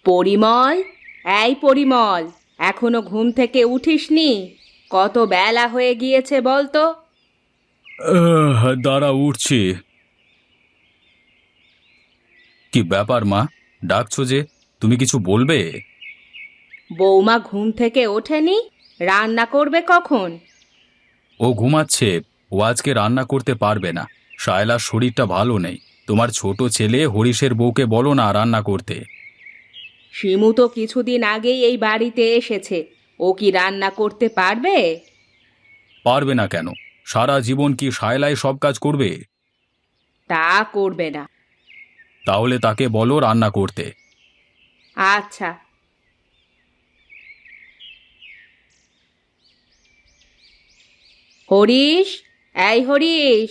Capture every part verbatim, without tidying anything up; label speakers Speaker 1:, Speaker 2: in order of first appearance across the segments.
Speaker 1: পরিমল, এই পরিমল, এখনো ঘুম থেকে উঠিসনি? কত বেলা হয়ে গিয়েছে বলতো?
Speaker 2: আহ, দাঁড়া, উঠছি। কি ব্যাপার মা, ডাকছো যে? তুমি কিছু বলবে?
Speaker 1: বৌমা ঘুম থেকে ওঠেনি? রান্না করবে কখন?
Speaker 2: ও ঘুমাচ্ছে। ও আজকে রান্না করতে পারবে না। শায়লার শরীরটা ভালো নেই। তোমার ছোট ছেলে হরিশের বউকে বলো না রান্না করতে।
Speaker 1: শিমু তো কিছুদিন আগেই এই বাড়িতে এসেছে। ও কি রান্না করতে পারবে?
Speaker 2: পারবে না কেন? সারা জীবন কি শায়লাই সব কাজ করবে?
Speaker 1: তা করবে না।
Speaker 2: তাহলে তাকে বলো রান্না করতে।
Speaker 1: আচ্ছা। হরিশ, এই হরিশ,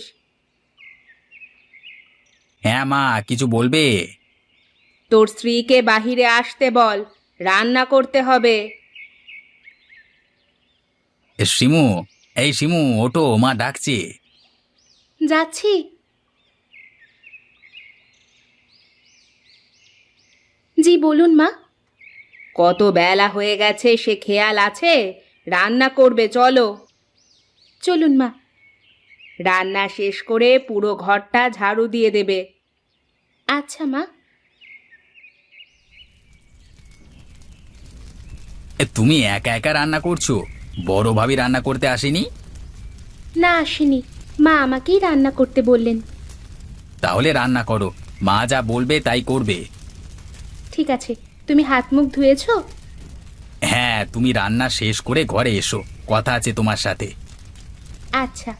Speaker 2: হ্যাঁ মা, কিছু বলবে?
Speaker 1: তোর স্ত্রীকে বাহিরে আসতে বল, রান্না করতে হবে।
Speaker 2: এ, শিমু, এই শিমু, ওঠো, মা ডাকছে।
Speaker 1: যাচ্ছি। জি বলুন মা। কত বেলা হয়ে গেছে সে খেয়াল আছে? রান্না করবে, চলো। চলুন মা। রান্না শেষ করে পুরো ঘরটা ঝাড়ু দিয়ে দেবে। আচ্ছা মা।
Speaker 2: এ, তুমি একা একা রান্না করছো? বড় ভাবি রান্না করতে আসেনি?
Speaker 1: না, আসেনি। মা আমাকেই রান্না করতে বললেন।
Speaker 2: তাহলে রান্না করো। মা যা বলবে তাই করবে।
Speaker 1: ঠিক আছে। তুমি হাত মুখ ধুয়েছো?
Speaker 2: হ্যাঁ, তুমি রান্না শেষ করে ঘরে এসো, কথা আছে তোমার সাথে।
Speaker 1: আচ্ছা।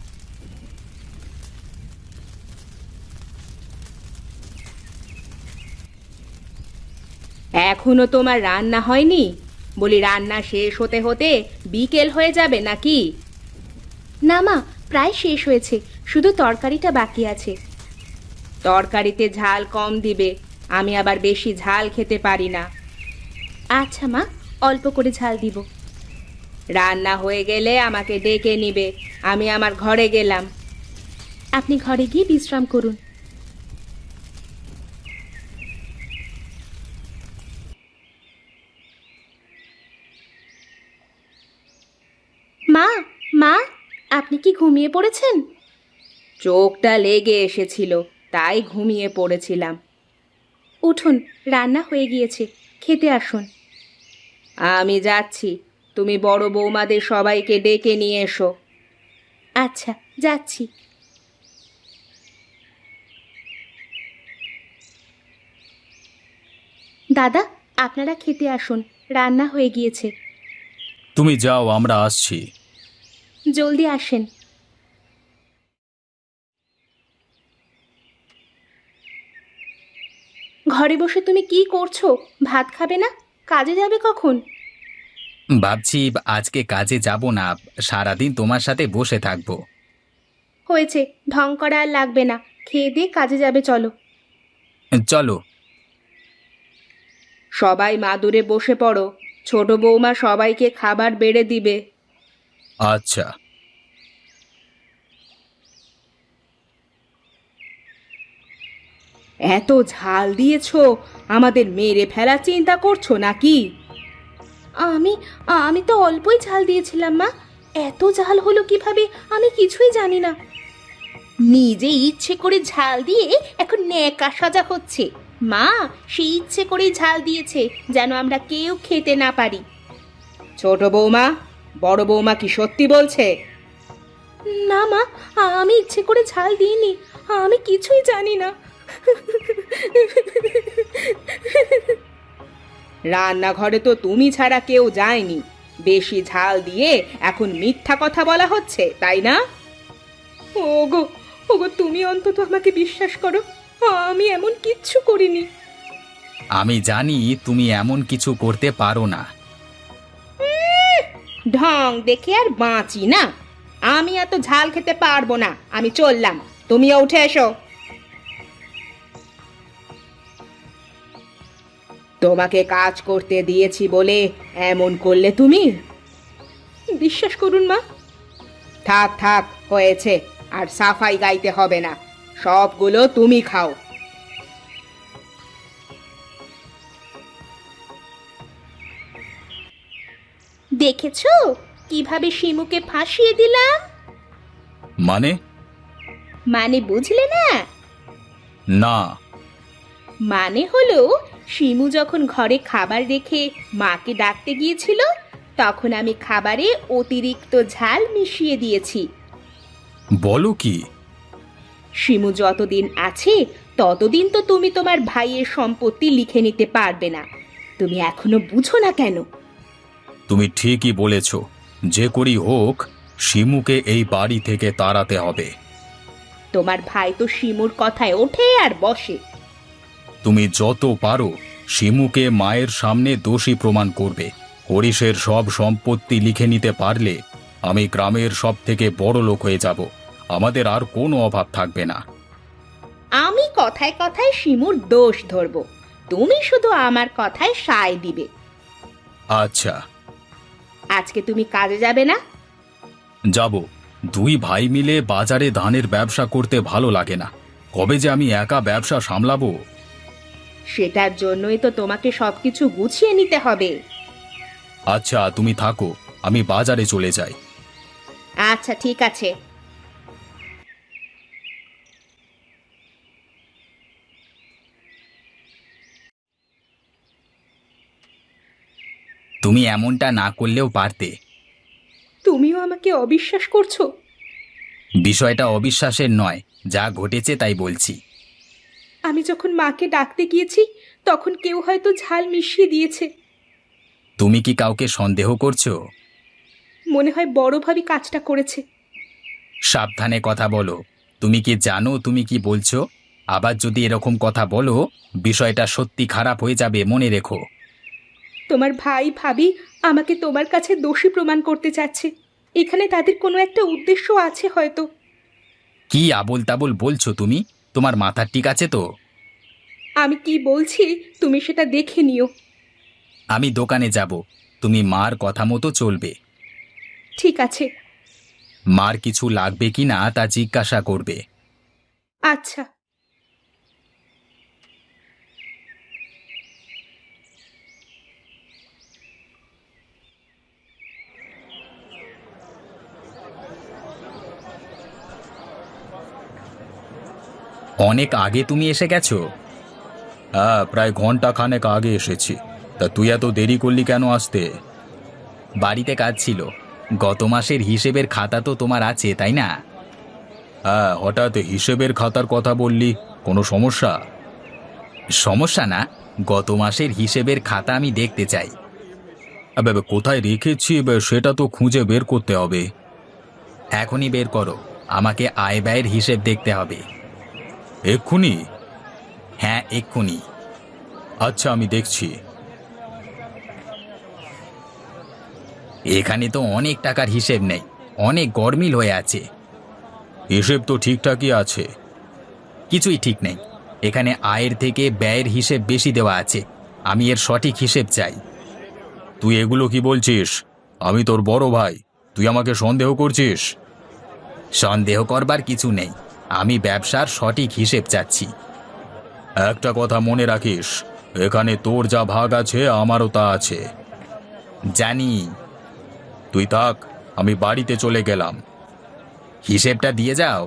Speaker 1: এখনো তোমার রান্না হয়নি? বলি রান্না শেষ হতে হতে বিকেল হয়ে যাবে নাকি? না মা, প্রায় শেষ হয়েছে, শুধু তরকারিটা বাকি আছে। তরকারিতে ঝাল কম দিবে, আমি আবার বেশি ঝাল খেতে পারি না। আচ্ছা মা, অল্প করে ঝাল দিব। রান্না হয়ে গেলে আমাকে ডেকে নিবে, আমি আমার ঘরে গেলাম। আপনি ঘরে গিয়ে বিশ্রাম করুন। মা, মা, আপনি কি ঘুমিয়ে পড়েছেন? চোখটা লেগে এসেছিল, তাই ঘুমিয়ে পড়েছিলাম। উঠুন, রান্না হয়ে গিয়েছে, খেতে আসুন। আমি যাচ্ছি, তুমি বড় বৌমাদের সবাইকে ডেকে নিয়ে এসো। আচ্ছা, যাচ্ছি। দাদা, আপনারা খেতে আসুন, রান্না হয়ে গিয়েছে।
Speaker 2: তুমি যাও, আমরা আসছি।
Speaker 1: জলদি আসেন। ঘরে বসে তুমি কি করছো? ভাত খাবে না? কাজে যাবে কখন?
Speaker 2: ভাবছি আজকে কাজে যাব না, সারাদিন তোমার সাথে বসে থাকবো।
Speaker 1: হয়েছে, ঢং করা আর লাগবে না, খেয়ে দিয়ে কাজে যাবে, চলো।
Speaker 2: চলো।
Speaker 1: সবাই মাদুরে বসে পড়ো, ছোট বৌমা সবাইকে খাবার বেড়ে দিবে।
Speaker 2: আচ্ছা।
Speaker 1: এত ঝাল দিয়েছো, আমাদের মেরে ফেলার চিন্তা করছো নাকি? আমি আমি তো অল্পই ঝাল দিয়েছিলাম মা, এত ঝাল হলো কিভাবে আমি কিছুই জানি না। নিজে ইচ্ছে করে ঝাল দিয়ে এখন ন্যাকা সাজা হচ্ছে। মা, সে ইচ্ছে করেই ঝাল দিয়েছে যেন আমরা কেউ খেতে না পারি। ছোট বৌমা, বড় বৌমা কি সত্যি বলছে? না মা, আমি ইচ্ছে করে ঝাল দিইনি, আমি কিছুই জানি না। রান্নাঘরে তো তুমি ছাড়া কেউ যায়নি, বেশি ঝাল দিয়ে এখন মিথ্যা কথা বলা হচ্ছে, তাই না? ওগো, ওগো, তুমি অন্তত আমাকে বিশ্বাস করো, আমি এমন কিচ্ছু করিনি।
Speaker 2: আমি জানি তুমি এমন কিছু করতে পারো না।
Speaker 1: ঢং দেখে আর বাঁচি না। আমি এত ঝাল খেতে পারবো না, আমি চললাম, তুমিও উঠে এসো। তোমাকে কাজ করতে দিয়েছি বলে এমন করলে তুমি? বিশ্বাস করুন মা। থাক থাক, হয়েছে, আর সাফাই গাইতে হবে না, সবগুলো তুমি খাও। দেখেছো কিভাবে শিমুকে ফাঁসিয়ে দিলাম?
Speaker 2: মানে?
Speaker 1: মানে বুঝলে না?
Speaker 2: না।
Speaker 1: মানে হলো, শিমু যখন ঘরে খাবার রেখে মাকে ডাকতে গিয়েছিল, তখন আমি খাবারে অতিরিক্ত ঝাল মিশিয়ে দিয়েছি।
Speaker 2: বলো কি?
Speaker 1: শিমু যতদিন আছে ততদিন তো তুমি তোমার ভাইয়ের সম্পত্তি লিখে নিতে পারবে না। তুমি এখনো বুঝো না কেন?
Speaker 2: তুমি ঠিকই বলেছ, যে করি হোক শিমুকে এই বাড়ি থেকে তাড়াতে হবে।
Speaker 1: তোমার ভাই তো শিমুর কথায় ওঠে আর বসে।
Speaker 2: তুমি যত পারো শিমুকে মায়ের সামনে দোষী প্রমাণ করবে। হরিশের সব সম্পত্তি লিখে নিতে পারলে আমি গ্রামের সব থেকে বড় লোক হয়ে যাব। আমাদের আর কোনো অভাব থাকবে না।
Speaker 1: আমি কথায় কথায় শিমুর দোষ ধরব, তুমি শুধু আমার কথায় সায় দিবে।
Speaker 2: আচ্ছা।
Speaker 1: আজকে তুমি কাজে যাবে না?
Speaker 2: যাব। দুই ভাই মিলে বাজারে ধানের ব্যবসা করতে ভালো লাগে না। কবে যে আমি একা ব্যবসা সামলাবো।
Speaker 1: সেটার জন্যই তো তোমাকে সবকিছু গুছিয়ে নিতে হবে।
Speaker 2: আচ্ছা, তুমি থাকো, আমি বাজারে চলে যাই।
Speaker 1: আচ্ছা ঠিক আছে।
Speaker 2: তুমি এমনটা না করলেও পারতে।
Speaker 1: তুমিও আমাকে অবিশ্বাস করছো?
Speaker 2: বিষয়টা অবিশ্বাসের নয়, যা ঘটেছে তাই বলছি।
Speaker 1: আমি যখন মাকে ডাকতে গিয়েছি তখন কেউ হয়তো ঝাল মিশিয়ে দিয়েছে।
Speaker 2: তুমি কি কাউকে সন্দেহ করছো?
Speaker 1: মনে হয় বড় ভাবি কাজটা করেছে।
Speaker 2: সাবধানে কথা বলো। তুমি কি জানো তুমি কি বলছো? আবার যদি এরকম কথা বলো, বিষয়টা সত্যি খারাপ হয়ে যাবে, মনে রেখো।
Speaker 1: তোমার ভাই ভাবি আমাকে তোমার কাছে দোষী প্রমাণ করতে চাচ্ছে। এখানে তাদের কোনো একটা উদ্দেশ্য আছে হয়তো।
Speaker 2: কি আবোল তাবোল বলছো তুমি? তোমার মাথা ঠিক আছে তো?
Speaker 1: আমি কি বলছি তুমি সেটা দেখে নিও।
Speaker 2: আমি দোকানে যাব, তুমি মার কথা মতো চলবে।
Speaker 1: ঠিক আছে।
Speaker 2: মার কিছু লাগবে কিনা তা জিজ্ঞাসা করবে।
Speaker 1: আচ্ছা।
Speaker 2: অনেক আগে তুমি এসে গেছো? হ্যাঁ, প্রায় ঘন্টা খানেক আগে এসেছি। তা তুই এত দেরি করলি কেন আসতে? বাড়িতে কাজ ছিল। গত মাসের হিসেবের খাতা তো তোমার আছে, তাই না? হ্যাঁ, হঠাৎ হিসেবের খাতার কথা বললি, কোনো সমস্যা? সমস্যা না, গত মাসের হিসেবের খাতা আমি দেখতে চাই। আবে আবে, কোথায় রেখেছি বে, সেটা তো খুঁজে বের করতে হবে। এখনই বের করো, আমাকে আয় ব্যয়ের হিসেব দেখতে হবে। এক্ষুনি? হ্যাঁ, এক্ষুনি। আচ্ছা, আমি দেখছি। এখানে তো অনেক টাকার হিসেব নেই, অনেক গরমিল হয়ে আছে। হিসেব তো ঠিকঠাকই আছে। কিছুই ঠিক নেই। এখানে আয়ের থেকে ব্যয়ের হিসেব বেশি দেওয়া আছে। আমি এর সঠিক হিসেব চাই। তুই এগুলো কি বলছিস? আমি তোর বড় ভাই, তুই আমাকে সন্দেহ করছিস? সন্দেহ করবার কিছু নেই, আমি ব্যবসার সঠিক হিসেব চাচ্ছি। একটা কথা মনে রাখিস, এখানে তোর যা ভাগ আছে আমারও তা আছে। জানি। তুই থাক, আমি বাড়িতে চলে গেলাম। হিসেবটা দিয়ে যাও।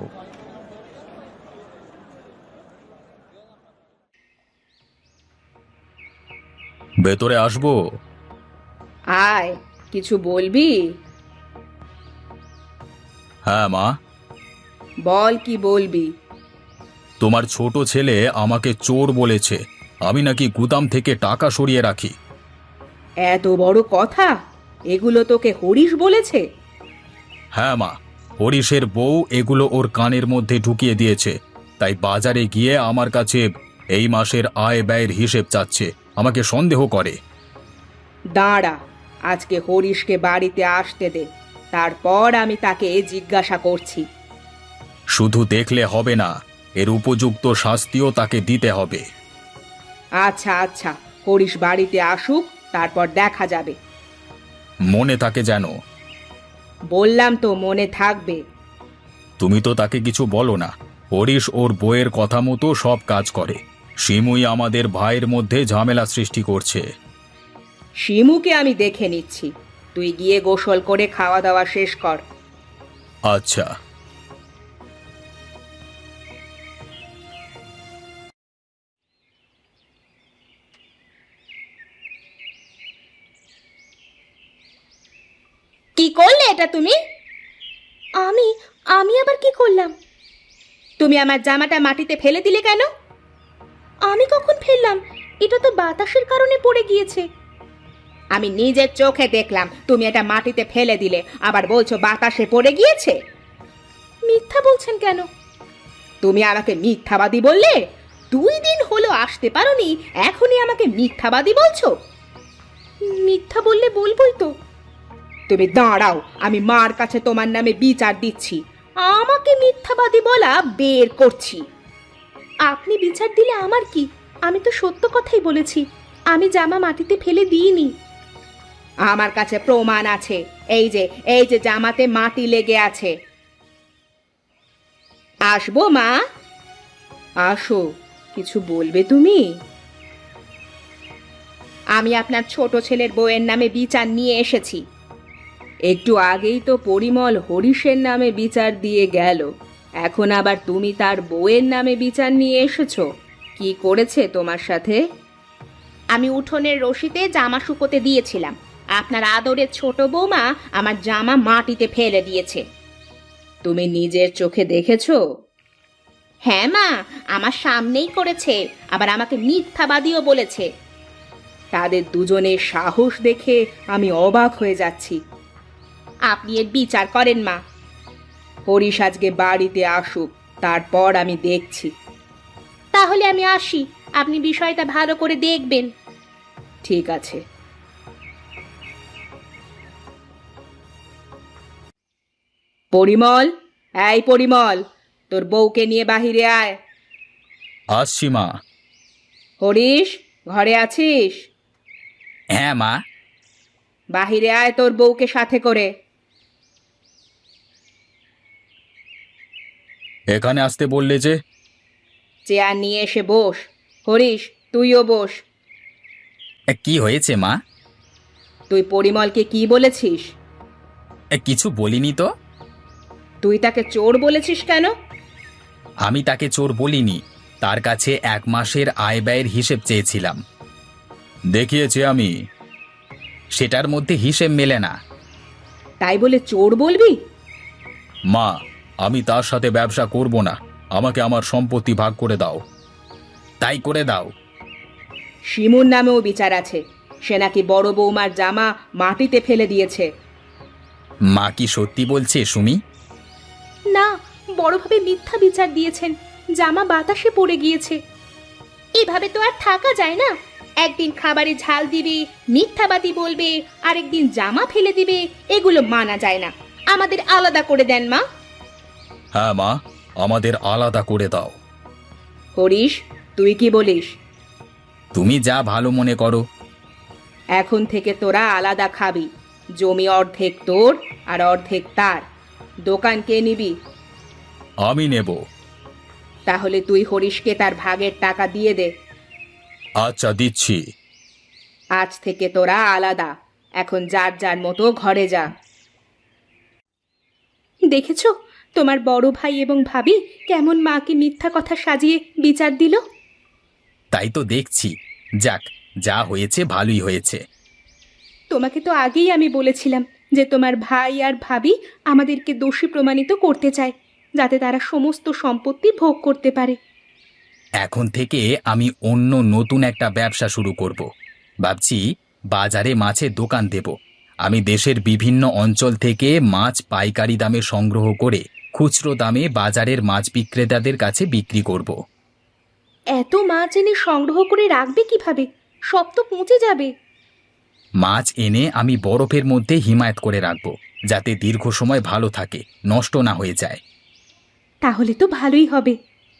Speaker 2: ভেতরে আসবো?
Speaker 1: আয়, কিছু বলবি?
Speaker 2: হ্যাঁ মা।
Speaker 1: বল কি বলবি।
Speaker 2: তোমার ছোট ছেলে আমাকে চোর বলেছে। আমি নাকি গুদাম থেকে টাকা সরিয়ে রাখি।
Speaker 1: এত বড় কথা? এগুলো তোকে হরিশ বলেছে?
Speaker 2: হ্যাঁ মা, হরিশের বউ এগুলো ওর কানের মধ্যে ঢুকিয়ে দিয়েছে। তাই বাজারে গিয়ে আমার কাছে এই মাসের আয় ব্যয়ের হিসেব চাচ্ছে, আমাকে সন্দেহ করে।
Speaker 1: দাঁড়া, আজকে হরিশকে বাড়িতে আসতে দে, তারপর আমি তাকে জিজ্ঞাসা করছি।
Speaker 2: শুধু দেখলে হবে না, এর উপযুক্ত শাস্তিও তাকে দিতে হবে।
Speaker 1: আচ্ছা আচ্ছা, হরিশ বাড়িতে আসুক, তারপর দেখা যাবে।
Speaker 2: মনে থাকে যেন।
Speaker 1: বললাম তো মনে থাকবে।
Speaker 2: তুমি তো তাকে কিছু বলো না। হরিশ ওর বউয়ের কথা মতো সব কাজ করে। শিমুই আমাদের ভাইয়ের মধ্যে ঝামেলা সৃষ্টি করছে।
Speaker 1: শিমুকে আমি দেখে নিচ্ছি। তুই গিয়ে গোসল করে খাওয়া দাওয়া শেষ কর।
Speaker 2: আচ্ছা।
Speaker 1: কি করলে এটা তুমি? আমি আমি আবার কি করলাম? তুমি আমার জামাটা মাটিতে ফেলে দিলে কেন? আমি কখন ফেললাম? এটা তো বাতাসের কারণে পড়ে গিয়েছে। আমি নিজের চোখে দেখলাম তুমি এটা মাটিতে ফেলে দিলে, আবার বলছো বাতাসে পড়ে গিয়েছে। মিথ্যা বলছেন কেন? তুমি আমাকে মিথ্যাবাদী বললে। দুই দিন হলো আসতে পারোনি, এখনই আমাকে মিথ্যাবাদী বলছো। মিথ্যা বললে বলবোই তো। তুমি দাঁড়াও, আমি মার কাছে তোমার নামে বিচার দিচ্ছি। আমাকে মিথ্যাবাদী বলা বের করছি। আপনি বিচার দিলে আমার কি? আমি তো সত্য কথাই বলেছি। আমি জামা মাটিতে ফেলে দিইনি। আমার কাছে প্রমাণ আছে। এই যে এই যে জামাতে মাটি লেগে আছে। আসবো মা? আসো, কিছু বলবে তুমি? আমি আপনার ছোট ছেলের বউয়ের নামে বিচার নিয়ে এসেছি। একটু আগেই তো পরিমল হরিশের নামে বিচার দিয়ে গেল, এখন আবার তুমি তার বউয়ের নামে বিচার নিয়ে এসেছো। কি করেছে তোমার সাথে? আমি উঠোনের রশিতে জামা শুকোতে দিয়েছিলাম, আপনার আদরের ছোট বৌমা আমার জামা মাটিতে ফেলে দিয়েছে। তুমি নিজের চোখে দেখেছো? হ্যাঁ মা, আমার সামনেই করেছে, আবার আমাকে মিথ্যাবাদীও বলেছে। তাদের দুজনের সাহস দেখে আমি অবাক হয়ে যাচ্ছি। আপনি এর বিচার করেন মা। হরিশ আজকে বাড়িতে আসুক, তারপর আমি দেখছি। তাহলে আমি আসি, আপনি বিষয়টা ভালো করে দেখবেন। ঠিক আছে। পরিমল, এই পরিমল, তোর বউকে নিয়ে বাহিরে আয়।
Speaker 2: আসছি মা।
Speaker 1: হরিশ, ঘরে আছিস?
Speaker 2: হ্যাঁ মা।
Speaker 1: বাহিরে আয় তোর বউকে সাথে করে।
Speaker 2: এখানে আসতে বললে যে?
Speaker 1: চেয়ার নিয়ে এসে বস। হরিশ, তুইও বস।
Speaker 2: এ, কি হয়েছে মা?
Speaker 1: তুই পরিমলকে কি বলেছিস?
Speaker 2: এ, কিছু বলিনি তো।
Speaker 1: তুই তাকে চোর বলেছিস কেন?
Speaker 2: আমি তাকে চোর বলিনি, তার কাছে এক মাসের আয় ব্যয়ের হিসেব চেয়েছিলাম। দেখিয়েছি আমি, সেটার মধ্যে হিসেব মেলে না।
Speaker 1: তাই বলে চোর বলবি?
Speaker 2: মা, আমি তার সাথে ব্যবসা করব না, আমাকে আমার সম্পত্তি ভাগ করে দাও। তাই করে দাও।
Speaker 1: শিমুর নামেও বিচার আছে, সে নাকি বড় বৌমার জামা মাটিতে ফেলে দিয়েছে।
Speaker 2: মা কি সত্যি বলছে সুমি?
Speaker 1: না, বড়ভাবে মিথ্যা বিচার দিয়েছেন, জামা বাতাসে পড়ে গিয়েছে। এভাবে তো আর থাকা যায় না। একদিন খাবারে ঝাল দিবে, মিথ্যাবাদী বলবে, আরেকদিন জামা ফেলে দিবে, এগুলো মানা যায় না। আমাদের আলাদা করে দেন মা।
Speaker 2: হ্যাঁ মা, আমাদের আলাদা করে দাও।
Speaker 1: হরিশ, তুই কি বলিস?
Speaker 2: তুমি যা ভালো মনে করো।
Speaker 1: এখন থেকে তোরা আলাদা খাবি। জমি অর্ধেক তোর আর অর্ধেক তার। দোকান কে নিবি?
Speaker 2: আমি নেব।
Speaker 1: তাহলে তুই হরিশকে তার ভাগের টাকা দিয়ে দে।
Speaker 2: আচ্ছা, দিচ্ছি।
Speaker 1: আজ থেকে তোরা আলাদা। এখন যার যার মতো ঘরে যা। দেখেছো তোমার বড় ভাই এবং ভাবি কেমন মাকে মিথ্যা কথা সাজিয়ে বিচার দিল?
Speaker 2: তাই তো দেখছি। যাক, যা হয়েছে ভালোই হয়েছে।
Speaker 1: তোমাকে তো আগেই আমি বলেছিলাম যে তোমার ভাই আর ভাবি আমাদেরকে দোষী প্রমাণিত করতে চায়, যাতে তারা সমস্ত সম্পত্তি ভোগ করতে পারে।
Speaker 2: এখন থেকে আমি অন্য নতুন একটা ব্যবসা শুরু করব। ভাবছি বাজারে মাছের দোকান দেব। আমি দেশের বিভিন্ন অঞ্চল থেকে মাছ পাইকারি দামে সংগ্রহ করে খুচরো দামে বাজারের মাছ বিক্রেতাদের কাছে বিক্রি করব।
Speaker 1: এত মাছ এনে সংগ্রহ করে রাখবে কিভাবে? সব তো পচে যাবে।
Speaker 2: মাছ এনে আমি বরফের মধ্যে হিমায়িত করে রাখব, যাতে দীর্ঘ সময় ভালো থাকে, নষ্ট না হয়ে যায়।
Speaker 1: তাহলে তো ভালোই হবে।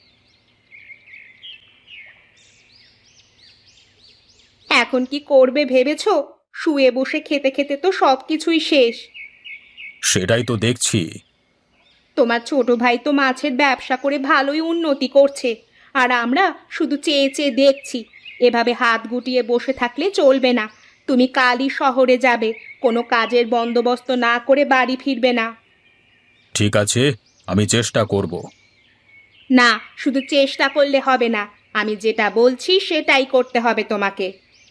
Speaker 1: এখন কি করবে ভেবেছো? শুয়ে বসে খেতে খেতে তো সবকিছুই শেষ।
Speaker 2: সেটাই তো দেখছি।
Speaker 1: তোমার ছোট ভাই তো মাছের ব্যবসা করে ভালোই উন্নতি করছে, আর আমরা শুধু চেয়ে চেয়ে দেখছি। এভাবে হাত গুটিয়ে বসে থাকলে চলবে না। তুমি কালই শহরে যাবে, কোনো কাজের বন্দোবস্ত না করে বাড়ি ফিরবে না।
Speaker 2: ঠিক আছে, আমি চেষ্টা করব।
Speaker 1: না, শুধু চেষ্টা করলে হবে না, আমি যেটা বলছি সেটাই করতে হবে তোমাকে।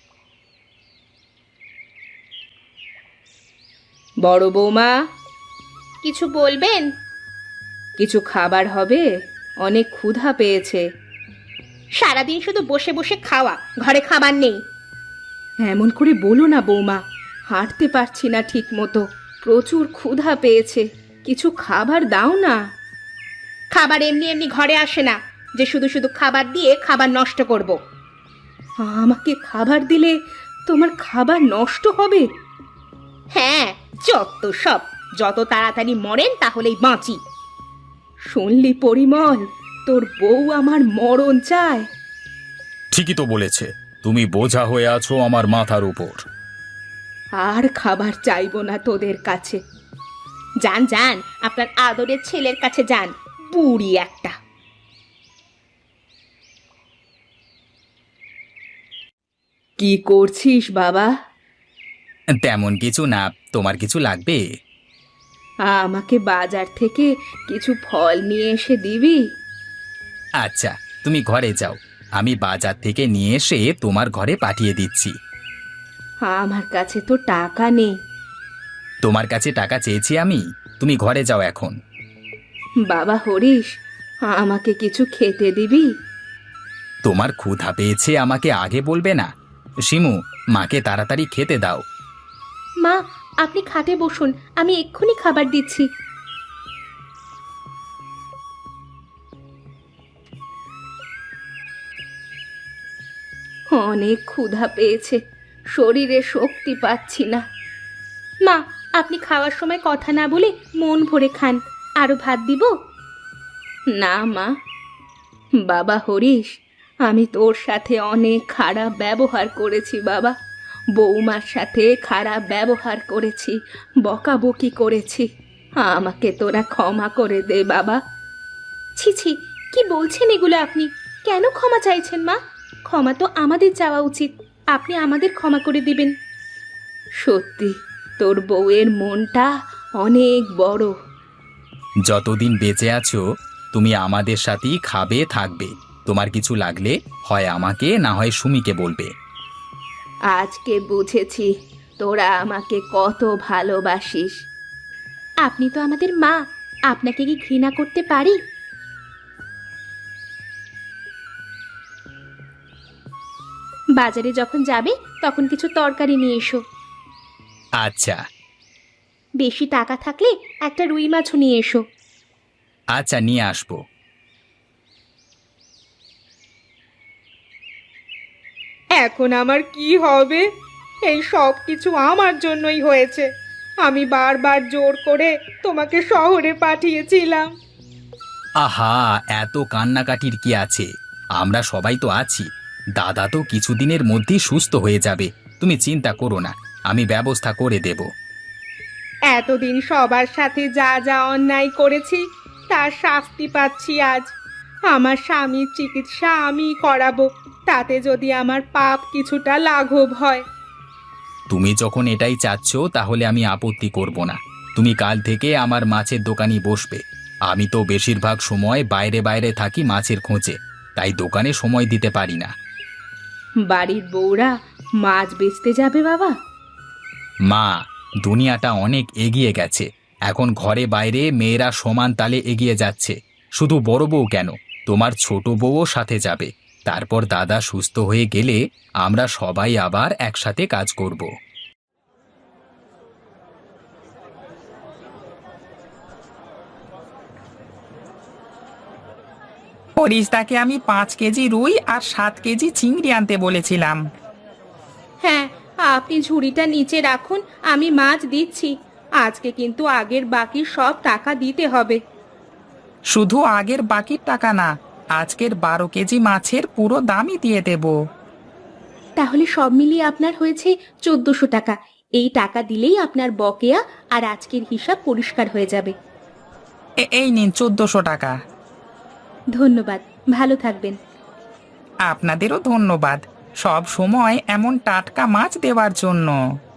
Speaker 1: বড় বৌমা, কিছু বলবেন? কিছু খাবার হবে? অনেক ক্ষুধা পেয়েছে। সারাদিন শুধু বসে বসে খাওয়া, ঘরে খাবার নেই। এমন করে বলো না বৌমা, হাঁটতে পারছি না ঠিক মতো, প্রচুর ক্ষুধা পেয়েছে, কিছু খাবার দাও না। খাবার এমনি এমনি ঘরে আসে না যে শুধু শুধু খাবার দিয়ে খাবার নষ্ট করব। আমাকে খাবার দিলে তোমার খাবার নষ্ট হবে? হ্যাঁ, যত সব, যত তাড়াতাড়ি মরেন তাহলেই বাঁচি। শুনলি পরিমল, তোর বউ আমার মরণ চায়।
Speaker 2: ঠিকই তো বলেছে, তুমি বোঝা হয়ে আছো আমার মাথার উপর।
Speaker 1: আর খাবার চাইবো না তোদের কাছে। যান যান, আপনার আদরের ছেলের কাছে যান, বুড়ি একটা। কি করছিস বাবা?
Speaker 2: তেমন কিছু না, তোমার কিছু লাগবে?
Speaker 1: আমাকে বাজার থেকে কিছু ফল নিয়ে এসে দিবি?
Speaker 2: আচ্ছা, তুমি ঘরে যাও, আমি বাজার থেকে নিয়ে এসে তোমার ঘরে পাঠিয়ে দিচ্ছি।
Speaker 1: আমার কাছে তো টাকা নেই।
Speaker 2: তোমার কাছে টাকা চেয়েছি আমি? তুমি ঘরে যাও এখন।
Speaker 1: বাবা হরিশ, আমাকে কিছু খেতে দিবি?
Speaker 2: তোমার ক্ষুধা পেয়েছে, আমাকে আগে বলবে না? শিমু, মাকে তাড়াতাড়ি খেতে দাও।
Speaker 1: মা, আপনি খাটে বসুন, আমি এক্ষুনি খাবার দিচ্ছি। অনেক ক্ষুধা পেয়েছে, শরীরে শক্তি পাচ্ছি না। মা, আপনি খাওয়ার সময় কথা না বলে মন ভরে খান, আরো ভাত দিব? না মা। বাবা হরিশ, আমি তোর সাথে অনেক খারাপ ব্যবহার করেছি বাবা, বৌমার সাথে খারাপ ব্যবহার করেছি, বকাবকি করেছি, আমাকে তোরা ক্ষমা করে দে বাবা। ছি ছি, কি বলছেন এগুলো আপনি? কেন ক্ষমা চাইছেন মা? ক্ষমা তো আমাদের চাওয়া উচিত, আপনি আমাদের ক্ষমা করে দিবেন। সত্যি তোর বউয়ের মনটা অনেক বড়।
Speaker 2: যতদিন বেঁচে আছো তুমি আমাদের সাথেই খাবে থাকবে। তোমার কিছু লাগলে হয় আমাকে না হয় সুমিকে বলবে।
Speaker 1: আজকে বুঝেছি তোরা আমাকে কত ভালোবাসিস। আপনি তো আমাদের মা, আপনাকে কি ঘৃণা করতে পারি? বাজারে যখন যাবে তখন কিছু তরকারি নিয়ে এসো।
Speaker 2: আচ্ছা।
Speaker 1: বেশি টাকা থাকলে একটা রুই মাছও নিয়ে এসো।
Speaker 2: আচ্ছা, নিয়ে আসবো।
Speaker 1: এখন আমার কি হবে? এই সব কিছু আমার জন্যই হয়েছে। আমি বারবার জোর করে তোমাকে শহরে পাঠিয়েছিলাম।
Speaker 2: আহা, এত কান্নাকাটির কি আছে? আমরা সবাই তো আছি। দাদা তো কিছুদিনের মধ্যেই সুস্থ হয়ে যাবে, তুমি চিন্তা করো না, আমি ব্যবস্থা করে দেব।
Speaker 1: এতদিন সবার সাথে যা যা অন্যায় করেছি তার শাস্তি পাচ্ছি আজ। আমার স্বামীর চিকিৎসা আমি করাবো, তাতে যদি আমার পাপ কিছুটা লাঘব হয়।
Speaker 2: তুমি যখন এটাই চাচ্ছ তাহলে আমি আপত্তি করব না। তুমি কাল থেকে আমার মাছের দোকানই বসবে। আমি তো বেশিরভাগ সময় বাইরে বাইরে থাকি মাছের খোঁজে, তাই দোকানে সময় দিতে পারি না।
Speaker 1: বাড়ির বউরা মাছ বেচতে যাবে বাবা?
Speaker 2: মা, দুনিয়াটা অনেক এগিয়ে গেছে, এখন ঘরে বাইরে মেয়েরা সমান তালে এগিয়ে যাচ্ছে। শুধু বড় বউ কেন, তোমার ছোট বউও সাথে যাবে। তারপর দাদা সুস্থ হয়ে গেলে আমরা সবাই আবার একসাথে কাজ করব।
Speaker 3: হরিশদাকে আমি পাঁচ কেজি রুই আর সাত কেজি চিংড়ি আনতে বলেছিলাম।
Speaker 1: হ্যাঁ, আপনি ঝুড়িটা নিচে রাখুন, আমি মাছ দিচ্ছি। আজকে কিন্তু আগের বাকি সব টাকা দিতে হবে।
Speaker 3: শুধু আগের বাকির টাকা না, আজকের বারো কেজি মাছের পুরো দামই দিয়ে দেব।
Speaker 1: তাহলে সব মিলিয়ে আপনার হয়েছে চোদ্দশো টাকা। এই টাকা দিলেই আপনার বকেয়া আর আজকের হিসাব পরিষ্কার হয়ে যাবে।
Speaker 3: এ- এই নিন চোদ্দশো টাকা।
Speaker 1: ধন্যবাদ, ভালো থাকবেন।
Speaker 3: আপনাদেরও ধন্যবাদ। সব সময় এমন টাটকা মাছ দেওয়ার জন্য।